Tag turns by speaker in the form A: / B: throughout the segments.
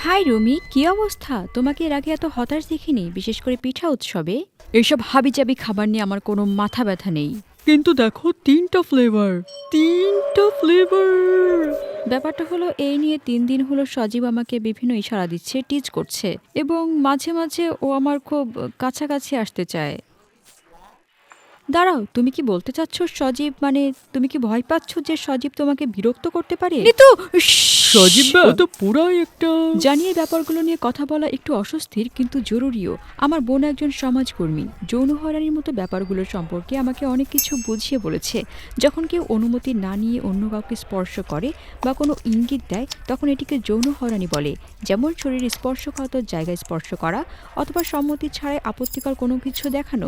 A: High Rumi, কি অবস্থা? তোমাকে এর আগে এত হতাশ দেখিনি, বিশেষ করে পিঠা উৎসবে। এসব হাবিজাবি খাবার নিয়ে আমার কোনো মাথা ব্যথা নেই।
B: কিন্তু দেখো, তিনটা ফ্লেভার।
A: ব্যাপারটা হলো, এই নিয়ে 3 দিন হলো সজীব আমাকে বিভিন্ন ইশারা দিচ্ছে, টিজ করছে, এবং মাঝে মাঝে ও আমার খুব কাছাকাছি আসতে চায়। দাঁড়াও, তুমি কি বলতে চাচ্ছ সজীব, মানে তুমি কি ভয় পাচ্ছ যে সজীব তোমাকে বিরক্ত করতে পারে? নিতু,
B: সজীব ও তো পুরাই একটা।
A: জানিয়ে ব্যাপারগুলো নিয়ে কথা বলা একটু অস্বস্তির, কিন্তু জরুরিও। আমার বোন একজন সমাজকর্মী, যৌন হয়রানির মতো ব্যাপারগুলো সম্পর্কে আমাকে অনেক কিছু বুঝিয়ে বলেছে। যখন কেউ অনুমতি না নিয়ে অন্য কাউকে স্পর্শ করে বা কোনো ইঙ্গিত দেয়, তখন এটিকে যৌন হয়রানি বলে। যেমন শরীর স্পর্শকাতর জায়গায় স্পর্শ করা, অথবা সম্মতি ছাড়াই আপত্তিকর কোনো কিছু দেখানো।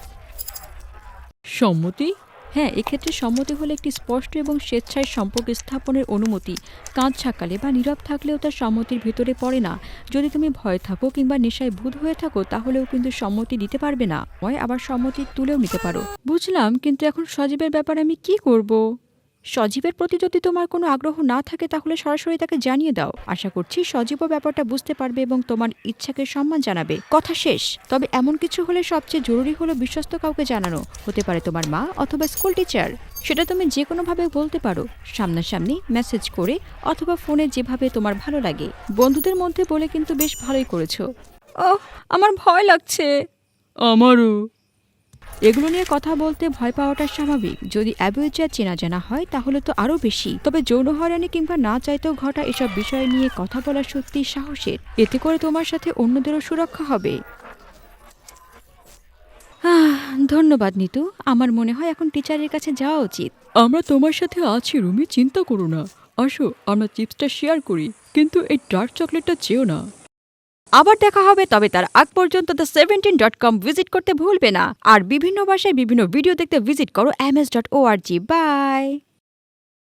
B: সম্মতি?
A: হ্যাঁ, এক্ষেত্রে সম্মতি হলো একটি স্পষ্ট এবং স্বেচ্ছায় সম্পর্ক স্থাপনের অনুমতি। কাঁধ ঝাঁকালে বা নীরব থাকলেও তার সম্মতির ভেতরে পড়ে না। যদি তুমি ভয়ে থাকো কিংবা নেশায় ভূত হয়ে থাকো, তাহলেও কিন্তু সম্মতি দিতে পারবে না, হয় আবার সম্মতি তুলেও নিতে পারো। বুঝলাম, কিন্তু এখন সজীবের ব্যাপারে আমি কি করব? সজীবের প্রতি যদি তোমার কোনো আগ্রহ না থাকে, তাহলে সরাসরি তাকে জানিয়ে দাও। আশা করছি সজীবও ব্যাপারটা বুঝতে পারবে এবং তোমার ইচ্ছাকে সম্মান জানাবে। কথা শেষ। তবে এমন কিছু হলে সবচেয়ে জরুরি হলো বিশ্বস্ত কাউকে জানানো। হতে পারে তোমার মা অথবা স্কুল টিচার। সেটা তুমি যে কোনোভাবে বলতে পারো, সামনাসামনি, মেসেজ করে, অথবা ফোনে, যেভাবে তোমার ভালো লাগে। বন্ধুদের মধ্যে বলে কিন্তু বেশ ভালোই করেছো। ওহ, আমার ভয় লাগছে।
B: আমারও।
A: এগুলো নিয়ে কথা বলতে ভয় পাওয়াটা স্বাভাবিক। যদি অ্যাবিউজার চেনা জানা হয়, তাহলে তো আরও বেশি। তবে যৌন হয়রানি কিংবা না চাইতেও ঘটা এসব বিষয় নিয়ে কথা বলা সত্যিই সাহসের। এতে করে তোমার সাথে অন্যদেরও সুরক্ষা হবে। ধন্যবাদ নিতু। আমার মনে হয় এখন টিচারের কাছে যাওয়া উচিত।
B: আমরা তোমার সাথে আছি রুমি, চিন্তা করো না। আসো, আমরা চিপসটা শেয়ার করি, কিন্তু এই ডার্ক চকলেটটা চেও না।
A: আবার দেখা হবে, তবে তার আগ পর্যন্ত the17.com ভিজিট করতে ভুলবে না। আর বিভিন্ন ভাষায় বিভিন্ন ভিডিও দেখতে ভিজিট করো ms.org। বাই।